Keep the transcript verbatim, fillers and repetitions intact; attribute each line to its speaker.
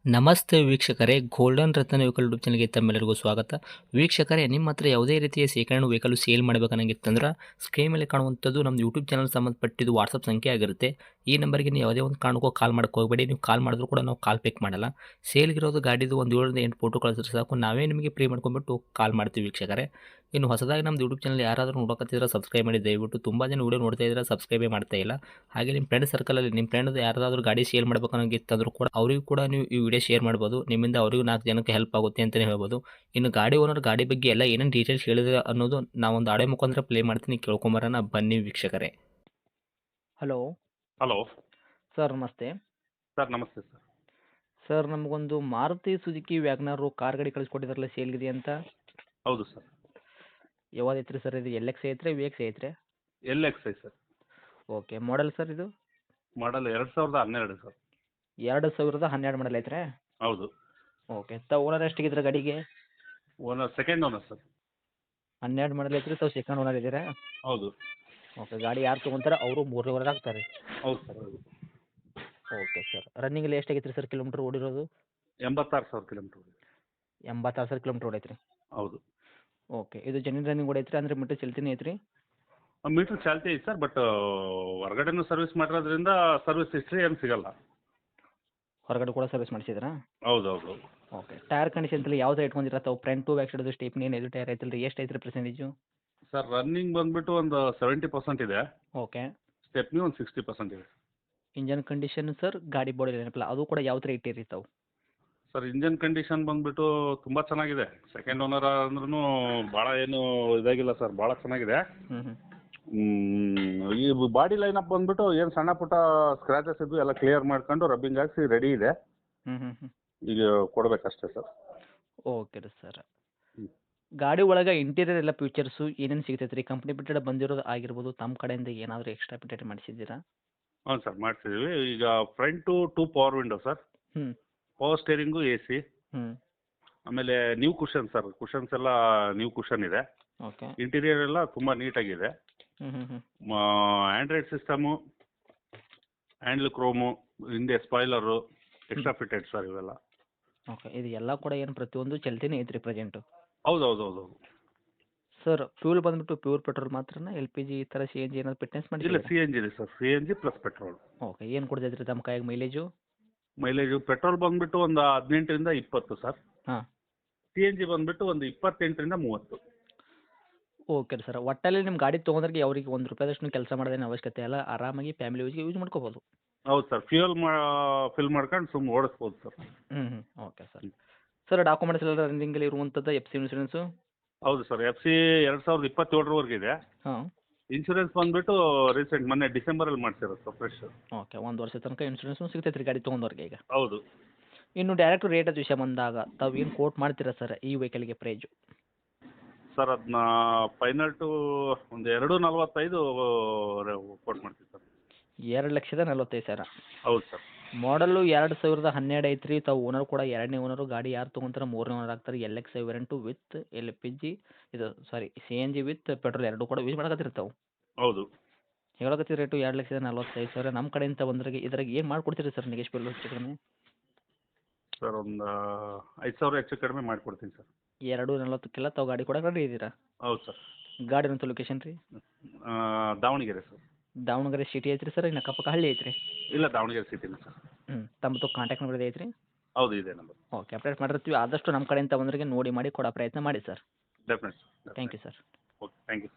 Speaker 1: ನಮಸ್ತೆ ವೀಕ್ಷಕರೇ, ಗೋಲ್ಡನ್ ರತ್ನ vehicle YouTube ಚಾನಲ್ಗೆ ತಮ್ಮೆಲ್ಲರಿಗೂ ಸ್ವಾಗತ. ವೀಕ್ಷಕರೇ, ನಿಮ್ಮ ಹತ್ರ ಯಾವುದೇ ರೀತಿಯ ಶೇಖರಣೆ ವೆಹಿಕಲ್ ಸೇಲ್ ಮಾಡಬೇಕನ್ನಂಗಿತ್ತಂದ್ರೆ ಸ್ಕ್ರೀನ್ ಮೇಲೆ ಕಾಣುವಂಥದ್ದು ನಮ್ಮ ಯೂಟ್ಯೂಬ್ ಚಾನಲ್ ಸಂಬಂಧಪಟ್ಟಿದ್ದು ವಾಟ್ಸಪ್ ಸಂಖ್ಯೆ ಆಗಿರುತ್ತೆ. ಈ ನಂಬರ್ಗೆ ನೀವು ಯಾವುದೇ ಒಂದು ಕಾರಣಕ್ಕೂ ಕಾಲ್ ಮಾಡಕ್ಕೆ ಹೋಗಬೇಡಿ. ನೀವು ಕಾಲ್ ಮಾಡಿದ್ರು ಕೂಡ ನಾವು ಕಾಲ್ ಪಿಕ್ ಮಾಡಲ್ಲ. ಸೇಲ್ಗಿರೋದು ಗಾಡಿದು ಒಂದು ಏಳರಿಂದ ಎಂಟು ಫೋಟೋ ಕಳಿಸಿದ್ರೆ ಸಾಕು, ನಾವೇ ನಿಮಗೆ ಪ್ರೀ ಮಾಡ್ಕೊಂಡ್ಬಿಟ್ಟು ಕಾಲ್ ಮಾಡ್ತೀವಿ ವೀಕ್ಷಕರೇ. ಇನ್ನು ಹೊಸದಾಗಿ ನಮ್ಮದು ಯೂಟ್ಯೂಬ್ ಚಾನಲ್ ಯಾರಾದರೂ ನೋಡೋಕತ್ತಿದ್ರೆ ಸಬ್ಸ್ಕ್ರೈಬ್ ಮಾಡಿ ದಯವಿಟ್ಟು. ತುಂಬ ಜನ ವೀಡಿಯೋ ನೋಡ್ತಾ ಇದ್ದಾರೆ, ಸಬ್ಸ್ಕ್ರೈಬೇ ಮಾಡ್ತಾ ಇಲ್ಲ. ಹಾಗೆ ನಿಮ್ಮ ಫ್ರೆಂಡ್ ಸರ್ಕಲಲ್ಲಿ ನಿಮ್ಮ ಫ್ರೆಂಡ್ ಯಾರಾದರೂ ಗಾಡಿ ಸೇಲ್ ಮಾಡಬೇಕನ್ನೋಂಗಿತ್ತಂದ್ರೂ ಕೂಡ ಅವರಿಗೂ ಕೂಡ ನೀವು ಈ ವಿಡಿಯೋ ಶೇರ್ ಮಾಡ್ಬೋದು. ನಿಮ್ಮಿಂದ ಅವರಿಗೂ ನಾಲ್ಕು ಜನಕ್ಕೆ ಹೆಲ್ಪ್ ಆಗುತ್ತೆ ಅಂತಲೇ ಹೇಳ್ಬೋದು. ಇನ್ನು ಗಾಡಿ ಓನರ್ ಗಾಡಿ ಬಗ್ಗೆ ಎಲ್ಲ ಏನೇನು ಡೀಟೇಲ್ಸ್ ಹೇಳಿದ್ರೆ ಅನ್ನೋದು ನಾವೊಂದು ಆಡಿಯೋ ಮುಖಾಂತರ ಪ್ಲೇ ಮಾಡ್ತೀನಿ, ಕೇಳ್ಕೊಂಬರೋಣ ಬನ್ನಿ ವೀಕ್ಷಕರೇ. ಹಲೋ
Speaker 2: ಹಲೋ
Speaker 1: ಸರ್, ನಮಸ್ತೆ.
Speaker 2: ಸರ್. ನಮಸ್ತೆ ಸರ್.
Speaker 1: ಸರ್, ನಮಗೊಂದು ಮಾರುತಿ ಸುಜುಕಿ ವ್ಯಾಗ್ನಾರು ಕಾರ್ ಗಾಡಿ ಕಳಿಸ್ಕೊಟ್ಟಿದ್ರಲ್ಲ ಸೇಲ್ಗಿದೆ ಅಂತ.
Speaker 2: ಹೌದು ಸರ್.
Speaker 1: ಯಾವ್ದು ಐತ್ರಿ ಸರ್ ಇದು? ಎಲ್ ಎಕ್ಸ್ ಐತ್ರಿ, ವಿ ಎಕ್ಸ್ ಐತ್ರಿ?
Speaker 2: L X I sir.
Speaker 1: Okay, model sir ಇದು?
Speaker 2: ಮಾಡಲ್ ಎರಡು ಸಾವಿರದ ಹನ್ನೆರಡು ಸರ್.
Speaker 1: ಎರಡು ಸಾವಿರದ ಹನ್ನೆರಡು ಮಾಡಲ್ ಐತ್ರಿ?
Speaker 2: ಹೌದು.
Speaker 1: ಓಕೆ, ತಾವು ಓನರ್ ಎಷ್ಟಿಗಿದ್ರೆ ಗಾಡಿಗೆ?
Speaker 2: Owner second owner sir.
Speaker 1: ಹನ್ನೆರಡು ಮಾಡಲ್ ಐತ್ರಿ, ತಾವು ಸೆಕೆಂಡ್ ಓನರ್ ಇದ್ದೀರಾ?
Speaker 2: ಹೌದು.
Speaker 1: ಓಕೆ, ಗಾಡಿ ಯಾರು ತೊಗೊಂತಾರೆ ಅವರು ಮೂರನೇ ಓನರ್ ಆಗ್ತಾರೆ?
Speaker 2: ಹೌದು ಸರ್. ಹೌದು.
Speaker 1: ಓಕೆ ಸರ್, ರನ್ನಿಂಗಲ್ಲಿ ಎಷ್ಟಾಗೈತೆ ರೀ ಸರ್ ಕಿಲೋಮೀಟ್ರ್ ಓಡಿರೋದು?
Speaker 2: ಎಂಬತ್ತಾರು ಸಾವಿರ ಕಿಲೋಮೀಟ್ರ್.
Speaker 1: ಎಂಬತ್ತಾರು ಸಾವಿರ ಕಿಲೋಮೀಟ್ರ್ ಓಡೈತ್ರಿ?
Speaker 2: ಹೌದು.
Speaker 1: ಓಕೆ, ಇದು ಜೆನ್ಯೂನ್ ರನ್ನಿಂಗ್ ಓಡೈತ್ರಿ ಅಂದರೆ ಮೀಟರ್ ಚಲ್ತಿನೇ ಐತ್ರಿ?
Speaker 2: ಮೀಟ್ರ್ ಚಾಲ್ತಿ ಐತೆ ಸರ್, ಬಟ್ ಹೊರಗಡೆನೂ ಸರ್ವಿಸ್ ಮಾಡಿರೋದ್ರಿಂದ ಸರ್ವಿಸ್ ಹಿಸ್ಟ್ರಿ ಏನು ಸಿಗಲ್ಲ.
Speaker 1: ಹೊರಗಡೆ ಕೂಡ ಸರ್ವಿಸ್ ಮಾಡಿಸಿದ್ರಾ?
Speaker 2: ಹೌದು ಹೌದು.
Speaker 1: ಓಕೆ, ಟೈರ್ ಕಂಡೀಷನ್ ಎಲ್ಲ ಯಾವ್ದು ಇಟ್ಕೊಂಡಿರ ತಾವು? ಫ್ರಂಟು ಬ್ಯಾಕ್ ಸೈಡ್ ಸ್ಟೇಪ್ನಿ ಏನು ಟೈರ್ ಐತಲ್ಲ ರೀ, ಎಷ್ಟು ಐತ್ರಿ ಪರ್ಸೆಂಟೇಜು?
Speaker 2: ಸರ್, ರನ್ನಿಂಗ್ ಬಂದುಬಿಟ್ಟು ಒಂದು ಸೆವೆಂಟಿ ಪರ್ಸೆಂಟ್ ಇದೆ.
Speaker 1: ಓಕೆ.
Speaker 2: ಸ್ಟೆಪ್ನಿ ಒಂದು ಸಿಕ್ಸ್ಟಿ ಪರ್ಸೆಂಟ್ ಇದೆ.
Speaker 1: ಇಂಜನ್ ಕಂಡೀಷನ್ ಸರ್, ಗಾಡಿ ಬಾಡಿ ಏನಪ್ಪಲ್ಲ ಅದು ಕೂಡ ಯಾವ ಥರ ಇಟ್ಟಿರಿ ತಾವು?
Speaker 2: ಸರ್, ಇಂಜನ್ ಕಂಡೀಷನ್ ಬಂದುಬಿಟ್ಟು ತುಂಬ ಚೆನ್ನಾಗಿದೆ. ಸೆಕೆಂಡ್ ಓನರ್ ಅಂದ್ರೂ ಭಾಳ ಏನು ಇದಾಗಿಲ್ಲ ಸರ್, ಭಾಳ ಚೆನ್ನಾಗಿದೆ.
Speaker 1: ಹ್ಞೂ ಹ್ಞೂ
Speaker 2: ಈ ಬಾಡಿ ಲೈನಪ್ ಬಂದ್ಬಿಟ್ಟು ಏನು ಸಣ್ಣ ಪುಟ್ಟ ಸ್ಕ್ರಾಚಸ್ ಇದ್ದು ಎಲ್ಲ ಕ್ಲಿಯರ್ ಮಾಡ್ಕೊಂಡು ರಬ್ಬಿಂಗ್ ಹಾಕ್ಸಿ ರೆಡಿ ಇದೆ.
Speaker 1: ಹ್ಞೂ ಹ್ಞೂ ಹ್ಞೂ
Speaker 2: ಈಗ ಕೊಡಬೇಕಷ್ಟೇ ಸರ್.
Speaker 1: ಓಕೆ ರೀ ಸರ್.
Speaker 2: ಹ್ಮ್.
Speaker 1: ಗಾಡಿ ಒಳಗೆ ಇಂಟೀರಿಯರ್ ಎಲ್ಲ ಫೀಚರ್ಸು ಏನೇನು ಸಿಗ್ತೈತೆ ರೀ? ಕಂಪ್ನಿ ಬಿಟ್ಟೆಡ್ ಬಂದಿರೋದು ಆಗಿರ್ಬೋದು, ತಮ್ಮ ಕಡೆಯಿಂದ ಏನಾದರೂ ಎಕ್ಸ್ಟ್ರಾ ಫಿಟೆಡ್ ಮಾಡಿಸಿದ್ದೀರಾ?
Speaker 2: ಹ್ಞೂ ಸರ್, ಮಾಡಿಸಿದ್ದೀವಿ. ಈಗ front two power window sir.
Speaker 1: ಹ್ಞೂ
Speaker 2: ಪವರ್ ಸ್ಟೇರಿಂಗು ಎ ಸಿ.
Speaker 1: ಹ್ಞೂ
Speaker 2: ಆಮೇಲೆ ನ್ಯೂ ಕುಷನ್ ಸರ್, ಕುಷನ್ಸ್ ಎಲ್ಲ ನ್ಯೂ ಕುಷನ್ ಇದೆ.
Speaker 1: ಓಕೆ.
Speaker 2: ಇಂಟೀರಿಯರ್ ಎಲ್ಲ ತುಂಬ ನೀಟಾಗಿದೆ.
Speaker 1: ಹ್ಞೂ ಹ್ಞೂ ಹ್ಞೂ
Speaker 2: ಆ್ಯಂಡ್ರಾಯ್ಡ್ ಸಿಸ್ಟಮು, ಹ್ಯಾಂಡ್ಲ್ ಕ್ರೋಮು, ಹಿಂದೆ ಸ್ಪಾಯ್ಲರು, ಎಕ್ಸ್ಟ್ರಾ ಫಿಟೆಡ್ ಸರ್ ಇವೆಲ್ಲ.
Speaker 1: ಓಕೆ, ಇದು ಎಲ್ಲ ಕೂಡ ಏನು ಪ್ರತಿಯೊಂದು ಚಲ್ತಿನೇ ಐತ್ರಿ ಪ್ರೆಸೆಂಟು?
Speaker 2: ಹೌದು ಹೌದು ಹೌದು ಹೌದು.
Speaker 1: ಸರ್, ಫ್ಯೂಲ್ ಬಂದ್ಬಿಟ್ಟು ಪ್ಯೂರ್ ಪೆಟ್ರೋಲ್ ಮಾತ್ರನಾ? ಎಲ್ ಪಿ ಜಿ ಈ ಥರ ಸಿ ಎನ್ ಜಿ ಏನಾದ್ರು ಫಿಟ್ನೆಸ್
Speaker 2: ಇಲ್ಲ,
Speaker 1: ಮಾಡಿ?
Speaker 2: ಸಿ ಎನ್ ಜಿ ಇದೆ sir, C N G plus petrol.
Speaker 1: Okay, ಏನು ಕೊಡ್ತೈತೆ ರೀ ತಮ್ಮ ಕೈಯಾಗ ಮೈಲೇಜು?
Speaker 2: ಮೈಲೇಜು ಪೆಟ್ರೋಲ್ ಬಂದುಬಿಟ್ಟು ಒಂದು ಹದಿನೆಂಟರಿಂದ ಇಪ್ಪತ್ತು ಸರ್.
Speaker 1: ಹಾಂ.
Speaker 2: ಸಿ ಎನ್ ಜಿ ಬಂದುಬಿಟ್ಟು ಒಂದು ಇಪ್ಪತ್ತೆಂಟರಿಂದ ಮೂವತ್ತು.
Speaker 1: ಓಕೆ ರೀ ಸರ್, ಒಟ್ಟಲ್ಲಿ ನಿಮ್ಮ ಗಾಡಿ ತೊಗೊಂಡ್ರಿಗೆ ಅವ್ರಿಗೆ ಒಂದು ರೂಪಾಯಿದಷ್ಟು ಕೆಲಸ ಮಾಡೋದೇನು ಅವಶ್ಯಕತೆ ಇಲ್ಲ, ಆರಾಮಾಗಿ ಫ್ಯಾಮಿಲಿ ಯೂಸ್ಗೆ ಯೂಸ್ ಮಾಡ್ಕೋಬೋದು?
Speaker 2: ಹೌದು ಸರ್, ಫ್ಯೂಯಲ್ ಮಾ ಫಿಲ್ ಮಾಡ್ಕೊಂಡು ಸುಮ್ಮನೆ ಓಡಿಸ್ಬೋದು ಸರ್.
Speaker 1: ಹ್ಞೂ ಹ್ಞೂ ಓಕೆ ಸರ್. ಸರ್, ಡಾಕ್ಯುಮೆಂಟ್ಸ್ ಎಲ್ಲ ರನ್ನಿಂಗಲ್ಲಿ ಇರುವಂಥದ್ದು ಎಫ್ ಸಿ ಇನ್ಸೂರೆನ್ಸು?
Speaker 2: ಹೌದು ಸರ್, ಎಫ್ ಸಿ ಎರಡು ಸಾವಿರದ ಇಪ್ಪತ್ತೇಳರವರೆಗೆ ಇದೆ.
Speaker 1: ಹಾಂ.
Speaker 2: ಇನ್ಶೂರೆನ್ಸ್ ಬಂದುಬಿಟ್ಟು ರೀಸೆಂಟ್ ಮೊನ್ನೆ ಡಿಸೆಂಬರಲ್ಲಿ ಮಾಡಿಸಿರೋದು ಸರ್, ಫ್ರೆಶ್.
Speaker 1: ಓಕೆ, ಒಂದು ವರ್ಷ ತನಕ ಇನ್ಸೂರೆನ್ಸು ಸಿಗ್ತೈತೆ ರೀ ಗಾಡಿ ತೊಗೊಂಡವ್ರಿಗೆ ಈಗ?
Speaker 2: ಹೌದು.
Speaker 1: ಇನ್ನು ಡೈರೆಕ್ಟ್ ರೇಟ್ ಅದು ವಿಷಯ ಬಂದಾಗ ತಾವು ಏನು ಕೋಟ್ ಮಾಡ್ತೀರಾ ಸರ್ ಈ ವೆಹಿಕಲ್ಗೆ ಪ್ರೈಜು?
Speaker 2: ಸರ್, ಅದನ್ನ ಫೈನಲ್ ಟು ಒಂದು ಎರಡು ನಲ್ವತ್ತೈದು ಕೊಟ್ಟು ಮಾಡ್ತೀವಿ ಸರ್.
Speaker 1: ಎರಡು ಲಕ್ಷದ ನಲ್ವತ್ತೈದು ಸಾವಿರ?
Speaker 2: ಹೌದು ಸರ್.
Speaker 1: ಮಾಡಲು ಎರಡು ಸಾವಿರದ ಹನ್ನೆರಡು ಐತ್ರಿ. ತಾವು ಓನರ್ ಕೂಡ ಎರಡನೇ ಓನರು. ಗಾಡಿ ಯಾರು ತೊಗೊಂತಾರೆ ಮೂರನೇ ಓನರ್ ಆಗ್ತಾರೆ. L X I variant with L P G ಇದು sorry C N G with petrol ಎರಡು ಕೂಡ ಯೂಸ್ ಮಾಡಕತ್ತೀರಿ ತಾವು?
Speaker 2: ಹೌದು.
Speaker 1: ಹೇಳಕತ್ತೀರಿ ರೇಟು ಎರಡು ಲಕ್ಷದ ನಲ್ವತ್ತೈದು ಸಾವಿರ. ನಮ್ಮ ಕಡೆಯಿಂದ ಬಂದ್ರಿಗೆ ಇದ್ರಾಗ ಏನು ಮಾಡ್ಕೊಡ್ತೀರಿ ಸರ್ ನೆಗೆಶ್ಬಲ್ ಹೆಚ್ಚು ಕಡಿಮೆ?
Speaker 2: ಸರ್, ಒಂದು ಐದು ಸಾವಿರ ಹೆಚ್ಚು ಕಡಿಮೆ ಮಾಡಿಕೊಡ್ತೀನಿ ಸರ್.
Speaker 1: ಎರಡು ನಲ್ವತ್ತಕ್ಕೆಲ್ಲ ತಾವು ಗಾಡಿ ಕೂಡ ರೆಡಿ ಇದ್ದೀರಾ?
Speaker 2: ಹೌದು ಸರ್.
Speaker 1: ಗಾಡಿ ಅಂತ ಲೊಕೇಶನ್ ರೀ?
Speaker 2: ಆ, ದಾವಣಗೆರೆ ಸರ್.
Speaker 1: ದಾವಣಗೆರೆ ಸಿಟಿ ಐತ್ರಿ ಸರ್, ಇನ್ನು ಅಕ್ಕಪಕ್ಕ ಹಳ್ಳಿ ಐತ್ರಿ?
Speaker 2: ಇಲ್ಲ, ದಾವಣಗೆರೆ ಸಿಟಿನ ಸರ್.
Speaker 1: ಹ್ಞೂ, ತಮ್ಮದು ಕಾಂಟ್ಯಾಕ್ಟ್ ನಂಬರ್ ಐತ್ರಿ?
Speaker 2: ಹೌದು, ಇದೆ ನಂಬರ್.
Speaker 1: ಓಕೆ, ಅಪ್ಡೇಟ್ ಮಾಡಿರ್ತೀವಿ. ಆದಷ್ಟು ನಮ್ಮ ಕಡೆಯಿಂದ ಬಂದ್ರಿಗೆ ನೋಡಿ ಮಾಡಿ ಕೊಡೋ ಪ್ರಯತ್ನ ಮಾಡಿ sir.
Speaker 2: Definite sir.
Speaker 1: Thank you sir.
Speaker 2: Okay, thank you.